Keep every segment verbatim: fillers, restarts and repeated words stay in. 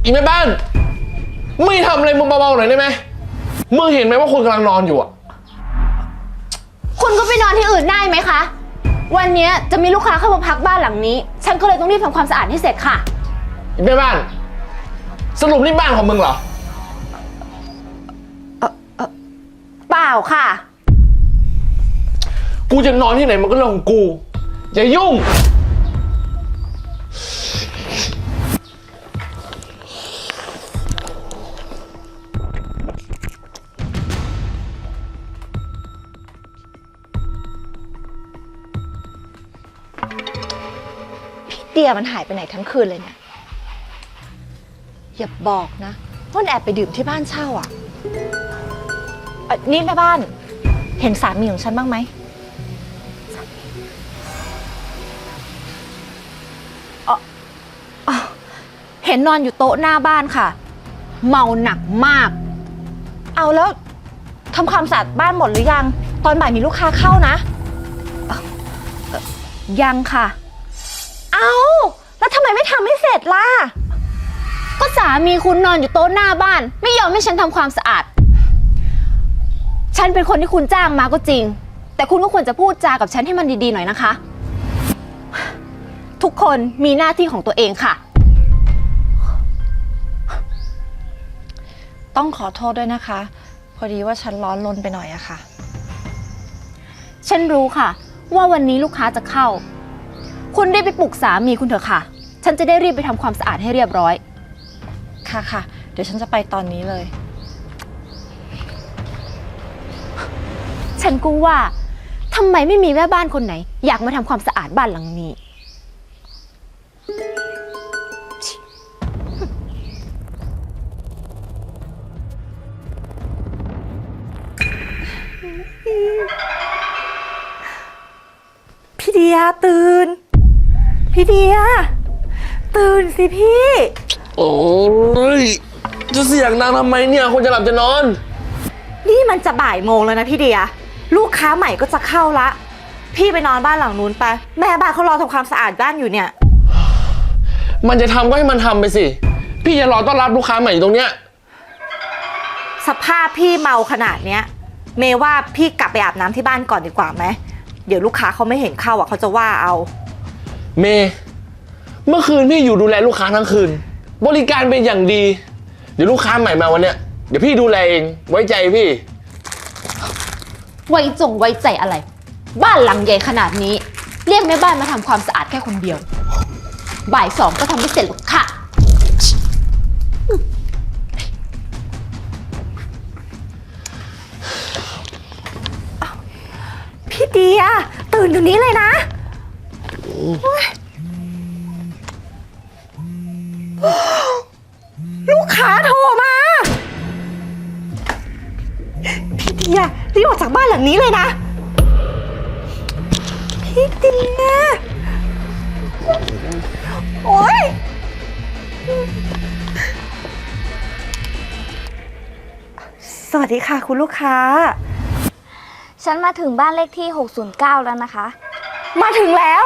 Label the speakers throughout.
Speaker 1: อีแม่บ้านไม่ทำอะไรมึงเบาๆหน่อยได้ไหมมึงเห็นไหมว่าคนกำลังนอนอยู่อ่ะ
Speaker 2: คุณก็ไปนอนที่อื่นได้ไหมคะวันนี้จะมีลูกค้าเข้ามาพักบ้านหลังนี้ฉันก็เลยต้องรีบทำความสะอาดให้เสร็จค่ะ
Speaker 1: อีแม่บ้านสรุปนี่บ้านของมึงเหรอ
Speaker 2: เออเออเปล่าค่ะ
Speaker 1: กูจะนอนที่ไหนมันก็เรื่องของกูอย่ายุ่ง
Speaker 3: เดียมันหายไปไหนทั้งคืนเลยเนี่ยอย่าบอกนะว่ามันแอบไปดื่มที่บ้านเช่าอ่ะเอ่อนี่แม่บ้านเห็นสามีของฉันบ้างไหมอ๋ออ๋อเห็นนอนอยู่โต๊ะหน้าบ้านค่ะเมาหนักมากเอาแล้วทำความสะอาดบ้านหมดหรือยังตอนบ่ายมีลูกค้าเข้านะเอ่อเอ่อยังค่ะเอาแล้วทำไมไม่ทำให้เสร็จล่ะ
Speaker 2: ก็สามีคุณนอนอยู่โต๊ะหน้าบ้านไม่ยอมให้ฉันทำความสะอาดฉันเป็นคนที่คุณจ้างมาก็จริงแต่คุณก็ควรจะพูดจากับฉันให้มันดีๆหน่อยนะคะทุกคนมีหน้าที่ของตัวเองค่ะ
Speaker 3: ต้องขอโทษด้วยนะคะพอดีว่าฉันร้อนรนไปหน่อยอะค่ะ
Speaker 2: ฉันรู้ค่ะว่าวันนี้ลูกค้าจะเข้าคุณได้ไปปลุกสามีคุณเถอะค่ะฉันจะได้รีบไปทำความสะอาดให้เรียบร้อย
Speaker 3: ค่ะค่ะเดี๋ยวฉันจะไปตอนนี้เลย
Speaker 2: ฉันก็ว่าทำไมไม่มีแม่บ้านคนไหนอยากมาทำความสะอาดบ้านหลังนี้
Speaker 3: พี่เดียตื่นพี่เดียตื่นสิพี่
Speaker 1: โอ้ยจะเสียงดังทำไมเนี่ยคนจะหลับจะนอน
Speaker 3: นี่มันจะบ่ายโมงแล้วนะพี่เดียลูกค้าใหม่ก็จะเข้าละพี่ไปนอนบ้านหลังนู้นไปแม่บ้านเขารอทำความสะอาดบ้านอยู่เนี่ย
Speaker 1: มันจะทำก็ให้มันทำไปสิพี่จะรอต้อนรับลูกค้าใหม่อยู่ตรงเนี้ย
Speaker 3: สภาพพี่เมาขนาดเนี้ยเมย์ว่าพี่กลับไปอาบน้ำที่บ้านก่อนดีกว่าไหมเดี๋ยวลูกค้าเขาไม่เห็นเข้าอ่ะเขาจะว่าเอา
Speaker 1: เมย์เมื่อคืนพี่อยู่ดูแลลูกค้าทั้งคืนบริการเป็นอย่างดีเดี๋ยวลูกค้าใหม่มาวันเนี้ยเดี๋ยวพี่ดูแลเองไว้ใจพี่
Speaker 2: ไว้จงไว้ใจอะไรบ้านหลังใหญ่ขนาดนี้เรียกแม่บ้านมาทำความสะอาดแค่คนเดียวบ่ายสองก็ทำไม่เสร็จหรอกค่ะ
Speaker 3: พี่เดียตื่นอยู่นี้เลยนะลูกค้าโทรมาพี่เดียรีบออกจากบ้านหลังนี้เลยนะพี่เดียโอ๊ยสวัสดีค่ะคุณลูกค้า
Speaker 4: ฉันมาถึงบ้านเลขที่หกศูนย์เก้าแล้วนะคะ
Speaker 3: มาถึงแล้ว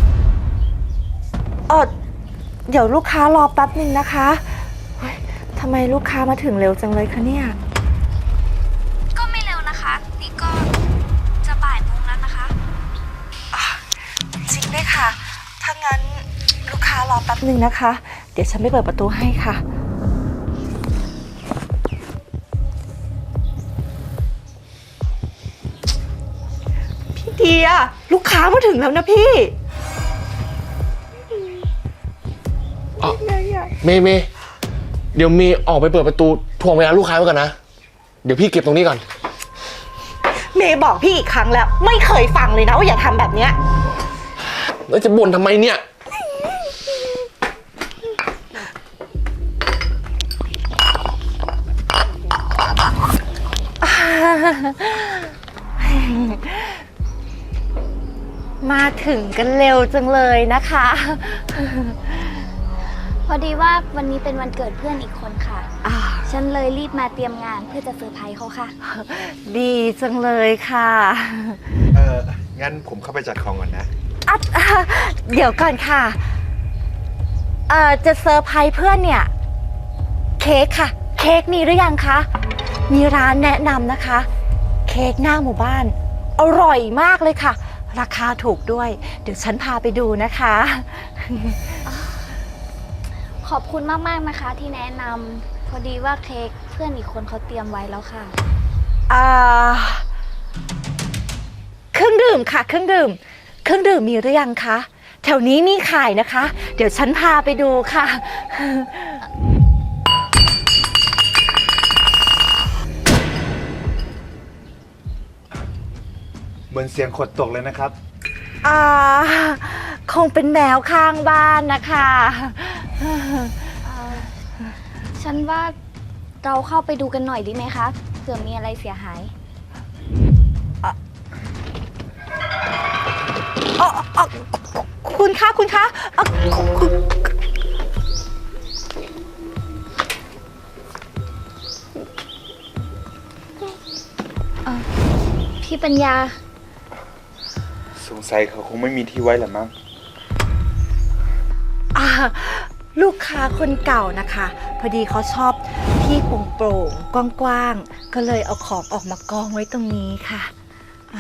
Speaker 3: เออเดี๋ยวลูกค้ารอแป๊บหนึ่งนะคะทำไมลูกค้ามาถึงเร็วจังเลยคะเนี่ย
Speaker 4: ก็ไม่เร็วนะคะนี่ก็จะบ่ายโมงแล้วนะคะ
Speaker 3: จริงด้วยค่ะถ้างั้นลูกค้ารอแป๊บหนึ่งนะคะเดี๋ยวฉันไปเปิดประตูให้ค่ะพี่เดียลูกค้ามาถึงแล้วนะพี่
Speaker 1: เมย์เมย์เดี๋ยวเมย์ออกไปเปิดประตูทวงเวลาลูกค้าไว้ก่อนนะเดี๋ยวพี่เก็บตรงนี้ก่อน
Speaker 3: เมย์บอกพี่อีกครั้งแล้วไม่เคยฟังเลยนะว่าอย่าทำแบบเนี้ย
Speaker 1: แล้วจะบ่นทำไมเนี่ย
Speaker 3: มาถึงกันเร็วจังเลยนะคะ
Speaker 4: พอดีว่าวันนี้เป็นวันเกิดเพื่อนอีกคนค่ะฉันเลยรีบมาเตรียมงานเพื่อจะเซอร์ไพรส์เขาค่ะ
Speaker 3: ดีจังเลยค่ะ
Speaker 5: เอองั้นผมเข้าไปจัดของก่อนนะ
Speaker 3: อ่ะเดี๋ยวก่อนค่ะเอ่อจะเซอร์ไพรส์เพื่อนเนี่ยค้กค่ะ เค้กมีหรือยังคะ มีร้านแนะนำนะคะ เค้กหน้าหมู่บ้าน อร่อยมากเลยค่ะ ราคาถูกด้วย เดี๋ยวฉันพาไปดูนะคะ
Speaker 4: ขอบคุณมากๆนะคะที่แนะนำพอดีว่าเค้กเพื่อนอีกคนเขาเตรียมไว้แล้วค่ะ
Speaker 3: อ่าเครื่องดื่มค่ะ เครื่องดื่ม เครื่องดื่มมีหรือยังคะ แถวนี้มีขายนะคะ เดี๋ยวฉันพาไปดูค่ะ
Speaker 5: เหมือนเสียงขวดตกเลยนะครับ
Speaker 3: อ่า คงเป็นแมวข้างบ้านนะคะ
Speaker 4: ฉันว่าเราเข้าไปดูกันหน่อยดีไหมคะเผื่อมีอะไรเสียหาย
Speaker 3: อ๋ออ๋อคุณคะคุณคะอ๋อคุณ
Speaker 4: พี่ปัญญา
Speaker 5: สงสัยเขาคงไม่มีที่ไว้แหละมั้ง
Speaker 3: อ่าลูกค้าคนเก่านะคะ พอดีเขาชอบที่โปร่งๆกว้างๆก็เลยเอาของออกมากองไว้ตรงนี้ค่ะอ่า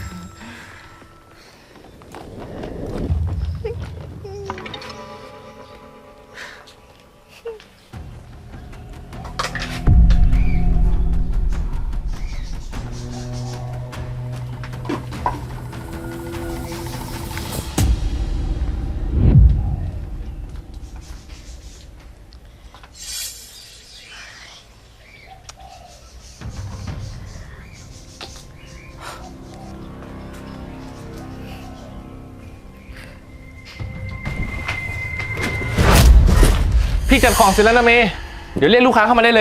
Speaker 1: พี่จัดของเสร็จแล้วนะเมย์เดี๋ยวเรียกลูกค้าเข้ามาได้เลย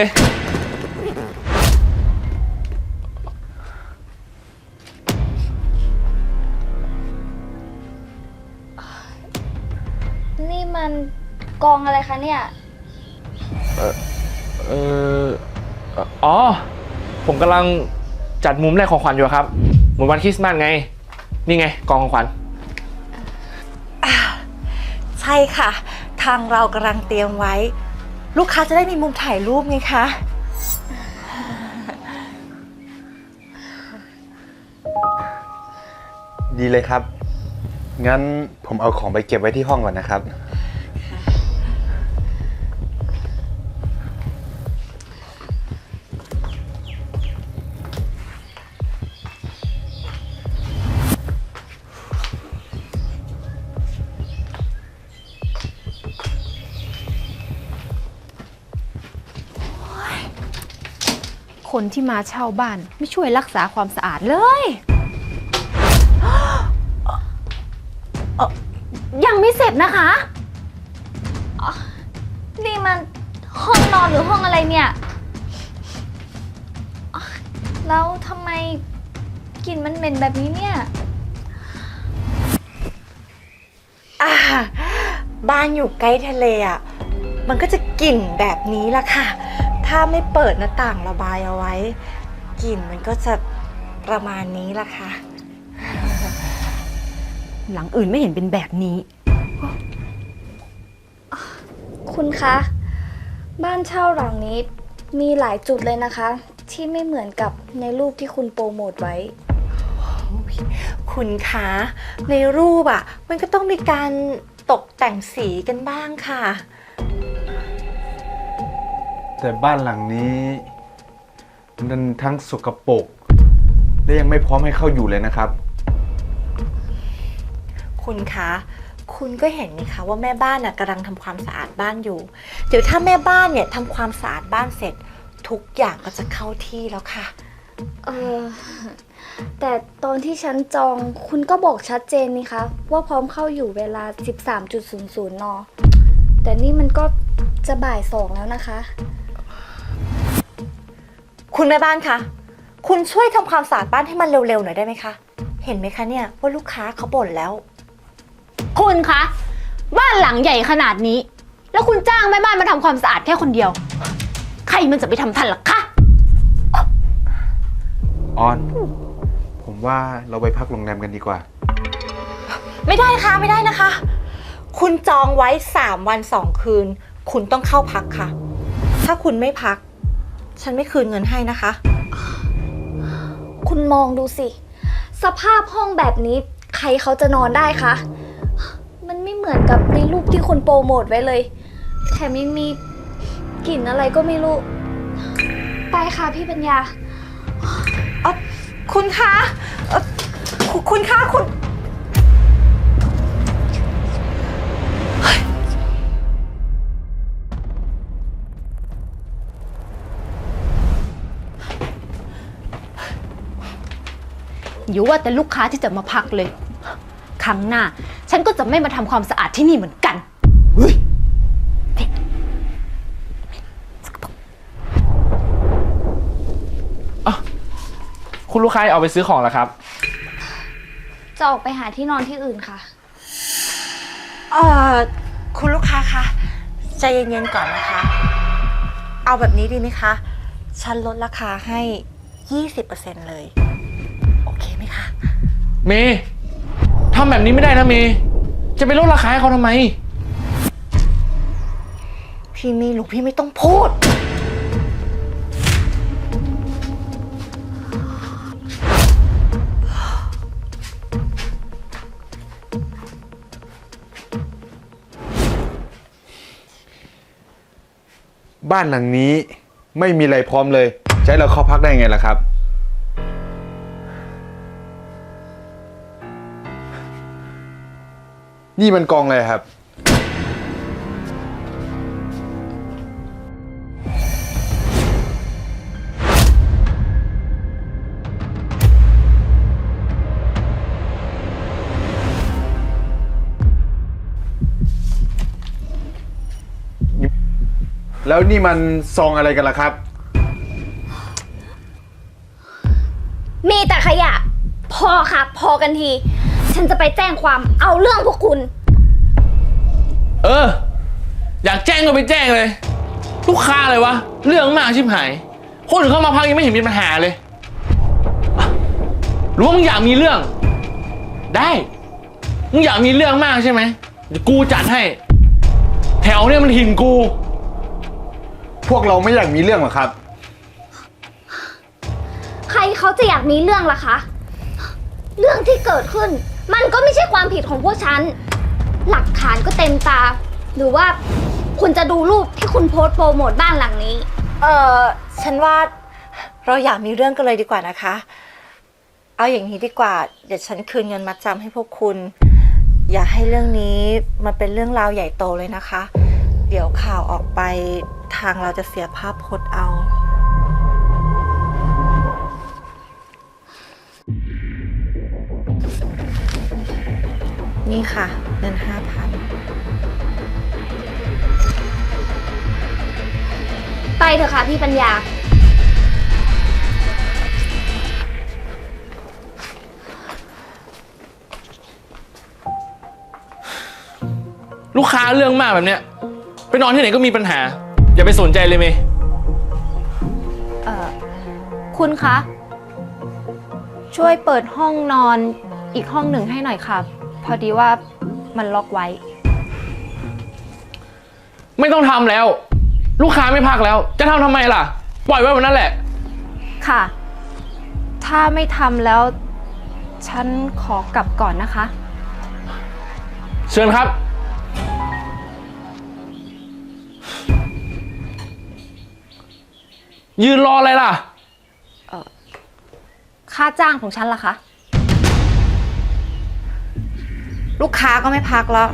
Speaker 4: นี่มันกองอะไรคะเนี่ย
Speaker 1: เอออ๋อ ผมกำลังจัดมุมแรกของขวัญอยู่ครับเหมือนวันคริสต์มาสไง นี่ไงกองของขวัญ
Speaker 3: ใช่ค่ะ ทางเรากำลังเตรียมไว้ ลูกค้าจะได้มีมุมถ่ายรูปไงคะ
Speaker 5: ดีเลยครับ งั้นผมเอาของไปเก็บไว้ที่ห้องก่อนนะครับ
Speaker 2: คนที่มาเช่าบ้านไม่ช่วยรักษาความสะอาดเลย ยังไม่เสร็จนะคะ
Speaker 4: นี่มันห้องนอนหรือห้องอะไรเนี่ยอ๊ะแล้วทำไมกลิ่นมันเหม็นแบบนี้เนี่ย
Speaker 3: อ่า บ้านอยู่ใกล้ทะเลอ่ะ มันก็จะกลิ่นแบบนี้ละค่ะ ถ้าไม่เปิดหน้าต่างระบายเอาไว้ กลิ่นมันก็จะประมาณนี้ละค่ะ
Speaker 2: หลังอื่นไม่เห็นเป็นแบบนี้
Speaker 4: คุณคะ บ้านเช่าหลังนี้มีหลายจุดเลยนะคะ ที่ไม่เหมือนกับในรูปที่คุณโปรโมทไว้
Speaker 3: คุณคะในรูปอ่ะ มันก็ต้องมีการตกแต่งสีกันบ้างค่ะ
Speaker 5: แต่บ้านหลังนี้มันทั้งสกปรกและยังไม่พร้อมให้เข้าอยู่เลยนะครับ
Speaker 3: คุณคะ คุณก็เห็นนี่คะว่าแม่บ้านน่ะกำลังทำความสะอาดบ้านอยู่ เดี๋ยวถ้าแม่บ้านเนี่ยทำความสะอาดบ้านเสร็จ ทุกอย่างก็จะเข้าที่แล้วค่ะ
Speaker 4: เออ แต่ตอนที่ฉันจองคุณก็บอกชัดเจนนี่คะว่าพร้อมเข้าอยู่เวลา สิบสามจุดศูนย์ศูนย์ น แต่นี่มันก็จะบ่ายสองแล้วนะคะ
Speaker 3: คุณแม่บ้านคะ คุณช่วยทำความสะอาดบ้านให้มันเร็วๆหน่อยได้ไหมคะ เห็นไหมคะเนี่ยว่าลูกค้าเขาบ่นแล้ว
Speaker 2: คุณคะ บ้านหลังใหญ่ขนาดนี้ แล้วคุณจ้างแม่บ้านมาทำความสะอาดแค่คนเดียว ใครมันจะไปทำทันล่ะคะ
Speaker 5: ออน ผมว่าเราไปพักโรงแรมกันดีกว่า
Speaker 3: ไม่ได้ค่ะไม่ได้นะคะ คุณจองไว้สามวันสองคืน คุณต้องเข้าพักค่ะถ้าคุณไม่พัก ฉันไม่คืนเงินให้นะคะ
Speaker 4: คุณมองดูสิ สภาพห้องแบบนี้ใครเขาจะนอนได้คะ มันไม่เหมือนกับในรูปที่คุณโปรโมทไว้เลย แถมยังมีกลิ่นอะไรก็ไม่รู้ ไปค่ะพี่ปัญญา
Speaker 3: เอ่อคุณคะเอ่อคุณคุณคะคุณ
Speaker 2: อยู่ว่าแต่ลูกค้าที่จะมาพักเลย ครั้งหน้า ฉันก็จะไม่มาทำความสะอาดที่นี่เหมือนกัน
Speaker 1: คุณลูกค้าเอาไปซื้อของแล้วครับ
Speaker 4: จะออกไปหาที่นอนที่อื่นค่ะ
Speaker 3: เอ่อ คุณลูกค้าคะใจเย็นๆก่อนนะคะ เอาแบบนี้ดีไหมคะ ฉันลดราคาให้ ยี่สิบเปอร์เซ็นต์ เลย โอเคไหมคะ
Speaker 1: เมย์ทำแบบนี้ไม่ได้นะเมย์จะไปลดราคาให้เขาทำไม
Speaker 3: พี่ไม่รู้พี่ไม่ต้องพูด
Speaker 5: บ้านหลังนี้ไม่มีอะไรพร้อมเลยจะให้เราเข้าพักได้ไงล่ะครับ นี่มันกองอะไรครับ แล้วนี่มันซองอะไรกันล่ะครับ
Speaker 4: มีแต่ขยะ พอค่ะ พอกันที ฉันจะไปแจ้งความเอาเรื่องพวกคุณ
Speaker 1: เออ อยากแจ้งก็ไปแจ้งเลย ลูกค้าอะไรวะ เรื่องมากชิบหาย คนอื่นเข้ามาพักยังไม่เห็นมีปัญหาเลยอ่ะหรือว่ามึงอยากมีเรื่อง ได้มึงอยากมีเรื่องมากใช่ไหมเดี๋ยวกูจัดให้ แถวเนี่ยมันถิ่นกู
Speaker 5: พวกเราไม่อยากมีเรื่องหรอกครับ
Speaker 4: ใครเขาจะอยากมีเรื่องล่ะคะ เรื่องที่เกิดขึ้น มันก็ไม่ใช่ความผิดของพวกฉัน หลักฐานก็เต็มตา หรือว่าคุณจะดูรูปที่คุณโพสต์โปรโมทบ้านหลังนี้
Speaker 3: เอ่อ ฉันว่าเราอยากมีเรื่องกันเลยดีกว่านะคะ เอาอย่างนี้ดีกว่า เดี๋ยวฉันคืนเงินมัดจำให้พวกคุณ อย่าให้เรื่องนี้มันเป็นเรื่องราวใหญ่โตเลยนะคะ เดี๋ยวข่าวออกไปทางเราจะเสียภาพพจน์เอา นี่ค่ะเงินห้าพัน
Speaker 4: ไปเถอะค่ะพี่ปัญญา
Speaker 1: ลูกค้าเรื่องมากแบบเนี้ยไปนอนที่ไหนก็มีปัญหา อย่าไปสนใจเลยเมย์
Speaker 2: เอ่อ คุณคะ ช่วยเปิดห้องนอนอีกห้องหนึ่งให้หน่อยค่ะ พอดีว่ามันล็อกไว้
Speaker 1: ไม่ต้องทำแล้ว ลูกค้าไม่พักแล้ว จะทำทำไมล่ะ ปล่อยไว้วันนั้นแหละ
Speaker 2: ค่ะ ถ้าไม่ทำแล้ว ฉันขอกลับก่อนนะคะ
Speaker 1: เชิญครับ ยืนรออะไรล่ะ
Speaker 2: ค่าจ้างของฉันล่ะคะ
Speaker 3: ลูกค้าก็ไม่พักแล้ว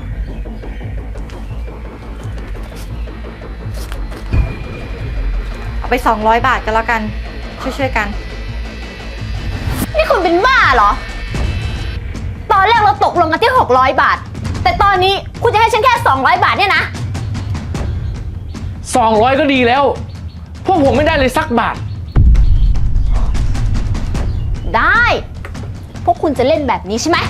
Speaker 3: เอาไปสองร้อยบาทกันแล้วกัน ช่วยๆกัน
Speaker 2: นี่คุณเป็นบ้าเหรอ ตอนแรกเราตกลงกันที่หกร้อยบาท แต่ตอนนี้คุณจะให้ฉันแค่สองร้อยบาทเนี่ยนะ
Speaker 1: สองร้อยก็ดีแล้ว พวกผมไม่ได้เลยสักบาท
Speaker 2: ได้ พวกคุณจะเล่นแบบนี้ใช่ไหม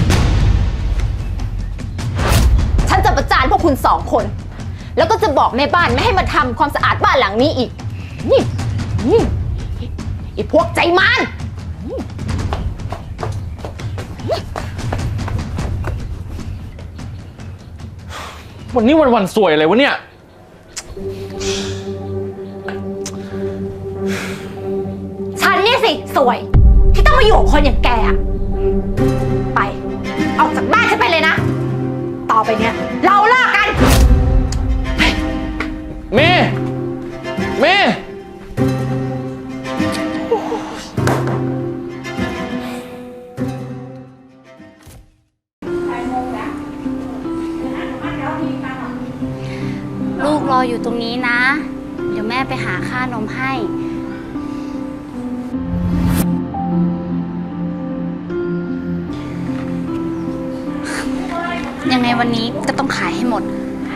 Speaker 2: ฉันจะประจานพวกคุณสองคน แล้วก็จะบอกแม่บ้านไม่ให้มาทำความสะอาดบ้านหลังนี้อีก นี่นี่ไอ้พวกใจมาร
Speaker 1: วันนี้วันวันสวยอะไรวะเนี่ย
Speaker 3: สิสวย ที่ต้องมาอยู่กับคนอย่างแกอะไป ออกจากบ้านฉันไปเลยนะ ต่อไปเนี้ยเราเลิกกัน
Speaker 1: เมย์เมย์
Speaker 6: ลูกรออยู่ตรงนี้นะ เดี๋ยวแม่ไปหาค่านมให้ ยังไงวันนี้ก็ต้องขายให้หมด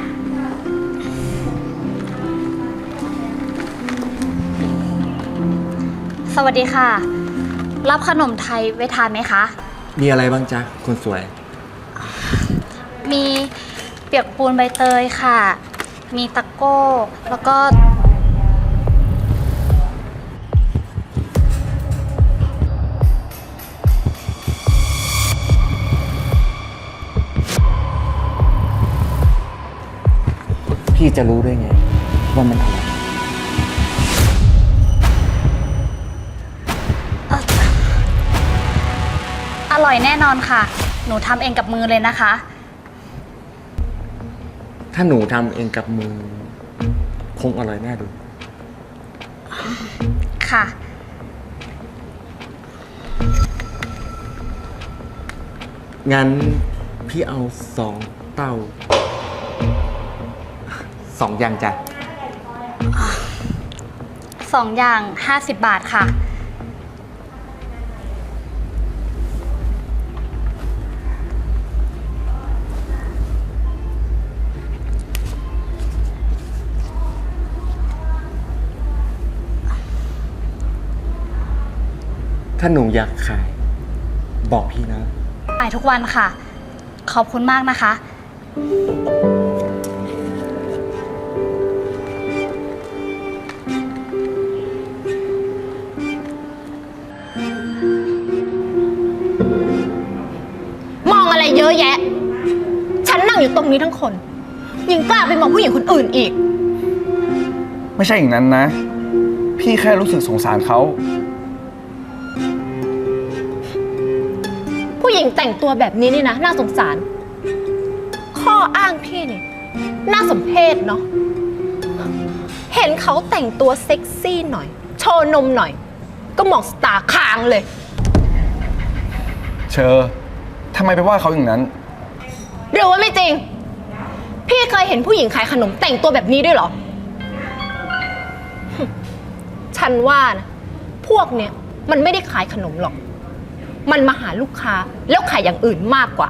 Speaker 6: สวัสดีค่ะ รับขนมไทยไว้ทานไหมคะ
Speaker 5: มีอะไรบ้างจ๊ะคนสวย
Speaker 6: มีเปียกปูนใบเตยค่ะ มีตะโก้ แล้วก็
Speaker 5: พี่จะรู้ได้ไงว่ามันอะไร
Speaker 6: อร่อยแน่นอนค่ะ หนูทำเองกับมือเลยนะคะ
Speaker 5: ถ้าหนูทำเองกับมือ คงอร่อยแน่ดู
Speaker 6: ค่ะ
Speaker 5: งั้นพี่เอาสองเต้า สองอย่างจ้ะ
Speaker 6: สองอย่างห้าสิบบาทค่ะ
Speaker 5: ถ้าหนูอยากขาย บอกพี่นะ
Speaker 6: ขายทุกวันค่ะ ขอบคุณมากนะคะ
Speaker 2: มองอะไรเยอะแยะ ฉันนั่งอยู่ตรงนี้ทั้งคน ยังกล้าไปมองผู้หญิงคนอื่นอีก
Speaker 7: ไม่ใช่อย่างนั้นนะ พี่แค่รู้สึกสงสารเขา
Speaker 2: ผู้หญิงแต่งตัวแบบนี้นี่นะน่าสงสาร ข้ออ้างพี่นี่น่าสมเพชเนาะ เห็นเขาแต่งตัวเซ็กซี่หน่อย โชว์นมหน่อย ก็มองสตาร์ค้างเลย
Speaker 7: เชอทำไมไปว่าเขาอย่างนั้น
Speaker 2: หรือว่าไม่จริง พี่เคยเห็นผู้หญิงขายขนมแต่งตัวแบบนี้ด้วยเหรอ ฉันว่านะพวกเนี้ยมันไม่ได้ขายขนมหรอก มันมาหาลูกค้าแล้วขายอย่างอื่นมากกว่า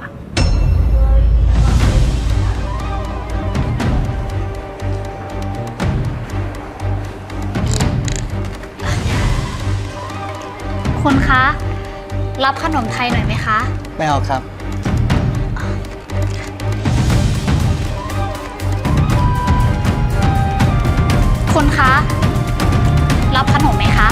Speaker 6: คุณคะ รับขนมไทยหน่อยไหมคะ
Speaker 8: ไม่เอาครับ
Speaker 6: คุณคะ รับขนมไหมคะ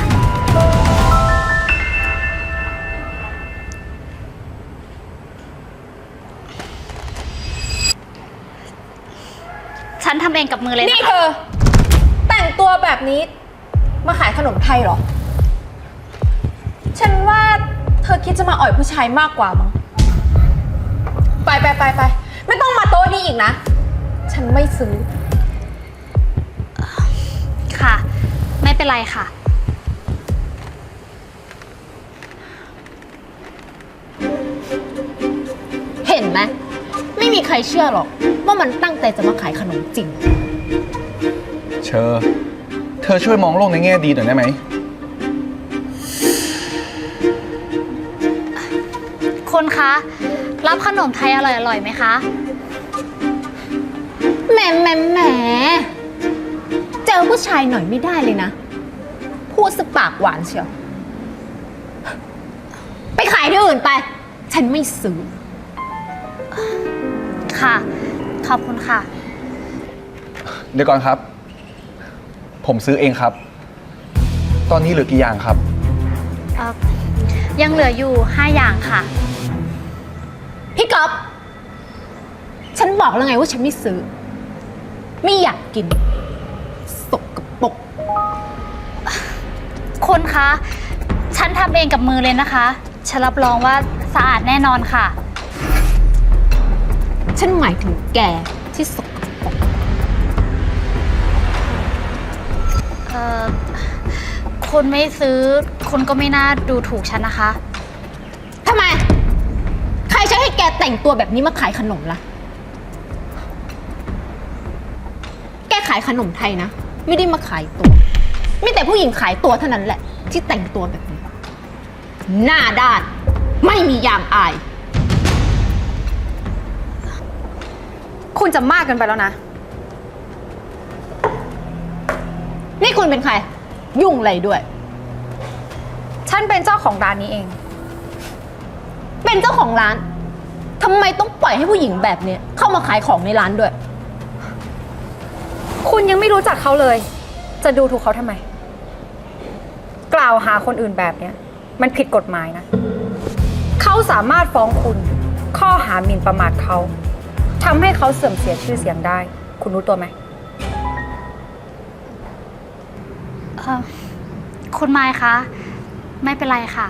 Speaker 6: ฉันทำเองกับมือเลย
Speaker 2: นี่
Speaker 6: นะ
Speaker 2: เธอ แต่งตัวแบบนี้มาขายขนมไทยเหรอ ฉันว่าเธอคิดจะมาอ่อยผู้ชายมากกว่ามั้ง ไปไปไปไปไม่ต้องมาโต๊ะนี้อีกนะ ฉันไม่ซื้อ
Speaker 6: ค่ะ ไม่เป็นไรค่ะ
Speaker 2: เห็นไหมไม่มีใครเชื่อหรอก ว่ามันตั้งใจจะมาขายขนมจริง
Speaker 7: เชอเธอช่วยมองโลกในแง่ดีหน่อยได้ไหม
Speaker 6: คุณคะ รับขนมไทยอร่อยๆไหมคะ
Speaker 2: แหมแหมแหมเจอผู้ชายหน่อยไม่ได้เลยนะ พูดสปากหวานเชียว ไปขายที่อื่นไป ฉันไม่ซื้อ
Speaker 6: ค่ะ ขอบคุณค่ะ
Speaker 7: เดี๋ยวก่อนครับ ผมซื้อเองครับ ตอนนี้เหลือกี่อย่างครับ
Speaker 6: เอ่อ ยังเหลืออยู่ห้าอย่างค่ะ
Speaker 2: พี่ก๊อฟฉันบอกแล้วไงว่าฉันไม่ซื้อ ไม่อยากกิน สกปรก
Speaker 6: คุณคะ ฉฉันทำเองกับมือเลยนะคะ ฉันรับรองว่าสะอาดแน่นอนค่ะ
Speaker 2: ฉันหมายถึงแกที่สกปรก
Speaker 6: เอ่อ คุณไม่ซื้อ คุณก็ไม่น่าดูถูกฉันนะคะ
Speaker 2: ทำไม ใครใช้ให้แกแต่งตัวแบบนี้มาขายขนมล่ะ แกขายขนมไทยนะ ไม่ได้มาขายตัว มีแต่ผู้หญิงขายตัวเท่านั้นแหละ ที่แต่งตัวแบบนี้ หน้าด้าน ไม่มียางอาย
Speaker 3: คุณจะมากเกินไปแล้วนะ
Speaker 2: นี่คุณเป็นใคร ยุ่งอะไรด้วย
Speaker 3: ฉันเป็นเจ้าของร้านนี้เอง
Speaker 2: เป็นเจ้าของร้าน ทำไมต้องปล่อยให้ผู้หญิงแบบเนี้ยเข้ามาขายของในร้านด้วย
Speaker 3: คุณยังไม่รู้จักเขาเลย จะดูถูกเขาทำไม กล่าวหาคนอื่นแบบเนี้ยมันผิดกฎหมายนะ เขาสามารถฟ้องคุณ ข้อหาหมิ่นประมาทเขาทำให้เขาเสื่อมเสียชื่อเสียงได้ คุณรู้ตัวไหม
Speaker 6: เอ่อ คุณไมค์คะ ไม่เป็นไรค่ะ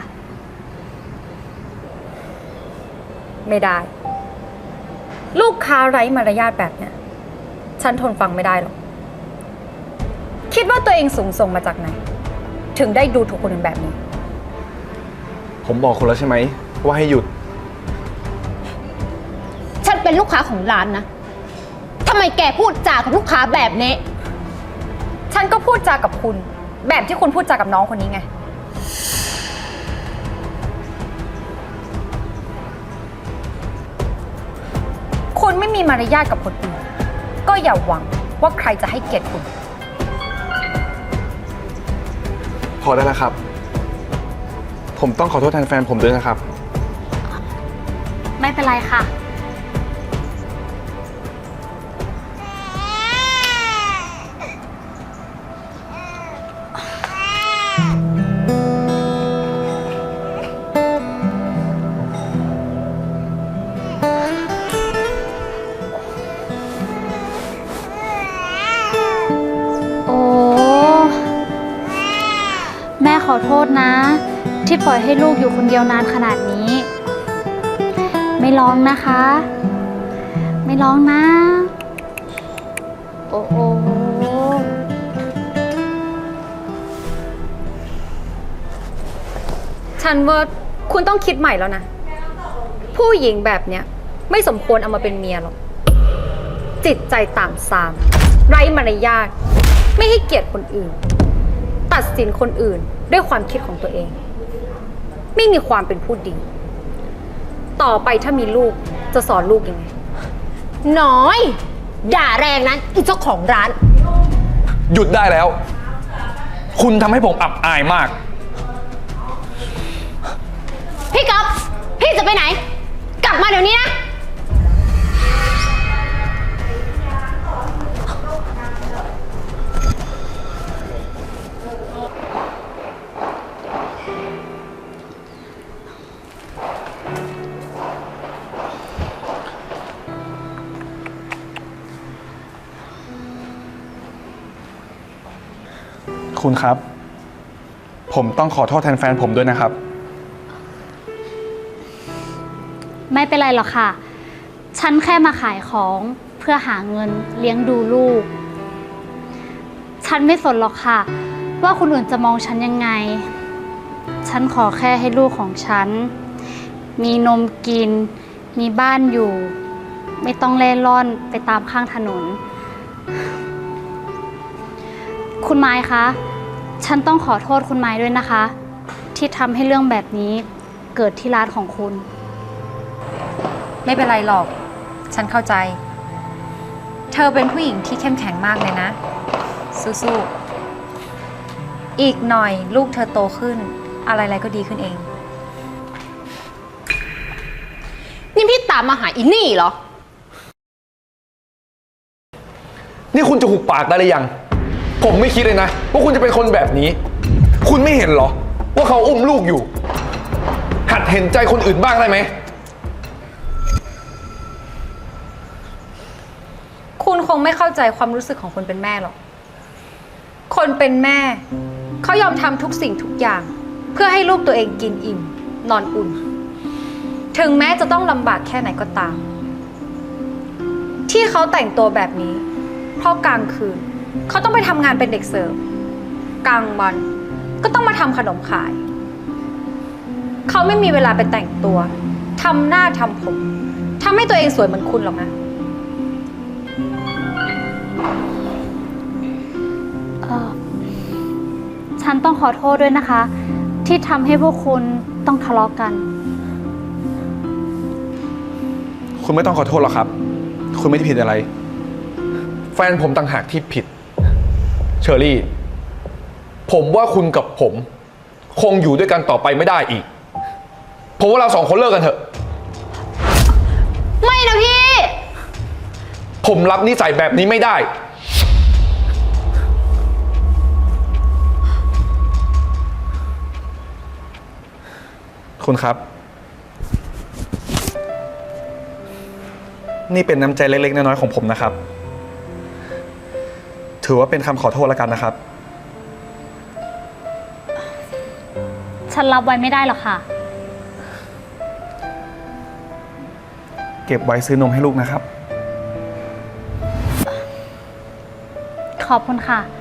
Speaker 3: ไม่ได้ ลูกค้าไร้มารยาทแบบเนี้ยฉันทนฟังไม่ได้หรอก คิดว่าตัวเองสูงส่งมาจากไหน ถึงได้ดูถูกคนอื่นแบบนี้
Speaker 7: ผมบอกคุณแล้วใช่ไหมว่าให้หยุด
Speaker 2: ฉันเป็นลูกค้าของร้านนะ ทำไมแกพูดจากับลูกค้าแบบนี้
Speaker 3: ฉันก็พูดจากับคุณ แบบที่คุณพูดจากับน้องคนนี้ไง คุณไม่มีมารยาทกับคนอื่น ก็อย่าหวังว่าใครจะให้เกียรติคุณ
Speaker 7: พอได้แล้วครับ ผมต้องขอโทษแทนแฟนผมด้วยนะครับ
Speaker 6: ไม่เป็นไรค่ะ โอ้ แม่ขอโทษนะ ที่ปล่อยให้ลูกอยู่คนเดียวนานขนาดนี้ ไม่ร้องนะคะ ไม่ร้องนะ โอ้โห
Speaker 3: ฉันว่าคุณต้องคิดใหม่แล้วนะ ผู้หญิงแบบเนี้ยไม่สมควรเอามาเป็นเมียหรอก จิตใจต่ำทราม ไร้มารยาท ไม่ให้เกียรติคนอื่น ตัดสินคนอื่นด้วยความคิดของตัวเอง ไม่มีความเป็นผู้ดี ต่อไปถ้ามีลูกจะสอนลูกยังไง
Speaker 2: น้อย ด่าแรงนั้นอีเจ้าของร้าน
Speaker 7: หยุดได้แล้ว คุณทำให้ผมอับอายมาก
Speaker 2: พี่ก๊อฟพี่จะไปไหน กลับมาเดี๋ยวนี้นะ
Speaker 7: คุณครับ ผมต้องขอโทษแทนแฟนผมด้วยนะครับ
Speaker 6: ไม่เป็นไรหรอกค่ะ ฉันแค่มาขายของเพื่อหาเงินเลี้ยงดูลูก ฉันไม่สนหรอกค่ะ ว่าคนอื่นจะมองฉันยังไง ฉันขอแค่ให้ลูกของฉัน มีนมกิน มีบ้านอยู่ ไม่ต้องเล่ร่อนไปตามข้างถนน คุณไม้คะ ฉันต้องขอโทษคุณไม้ด้วยนะคะ ที่ทำให้เรื่องแบบนี้เกิดที่ร้านของคุณ
Speaker 3: ไม่เป็นไรหรอก ฉันเข้าใจ เธอเป็นผู้หญิงที่เข้มแข็งมากเลยนะ สู้ๆ อีกหน่อยลูกเธอโตขึ้น อะไรๆก็ดีขึ้นเอง
Speaker 2: นี่พี่ตามมาหาอินี่เหรอ
Speaker 7: นี่คุณจะหุบปากได้หรือยัง ผมไม่คิดเลยนะว่าคุณจะเป็นคนแบบนี้ คุณไม่เห็นเหรอ ว่าเขาอุ้มลูกอยู่ หัดเห็นใจคนอื่นบ้างได้ไหม
Speaker 3: คุณคงไม่เข้าใจความรู้สึกของคนเป็นแม่หรอก คนเป็นแม่ เขายอมทำทุกสิ่งทุกอย่างเพื่อให้ลูกตัวเองกินอิ่ม นอนอุ่น ถึงแม้จะต้องลำบากแค่ไหนก็ตาม ที่เขาแต่งตัวแบบนี้ เพราะกลางคืน เขาต้องไปทำงานเป็นเด็กเสิร์ฟกลางวันก็ต้องมาทำขนมขาย เขาไม่มีเวลาไปแต่งตัวทำหน้าทำผมทำให้ตัวเองสวยเหมือนคุณหรอกนะ
Speaker 6: เอ่อฉันต้องขอโทษด้วยนะคะ ที่ทำให้พวกคุณต้องทะเลาะกัน
Speaker 7: คุณไม่ต้องขอโทษหรอกครับ คุณไม่ได้ผิดอะไร แฟนผมต่างหากที่ผิด เชอรี่ ผมว่าคุณกับผม คงอยู่ด้วยกันต่อไปไม่ได้อีก ผมว่าเราสองคนเลิกกันเถอะ
Speaker 3: ไม่นะพี่
Speaker 7: ผมรับนิสัยแบบนี้ไม่ได้ คุณครับ นี่เป็นน้ำใจเล็กๆน้อยๆของผมนะครับ ถือว่าเป็นคำขอโทษแล้วกันนะครับ
Speaker 6: ฉันรับไว้ไม่ได้หรอกค่ะ
Speaker 7: เก็บไว้ซื้อนมให้ลูกนะครับ
Speaker 6: ขอบคุณค่ะ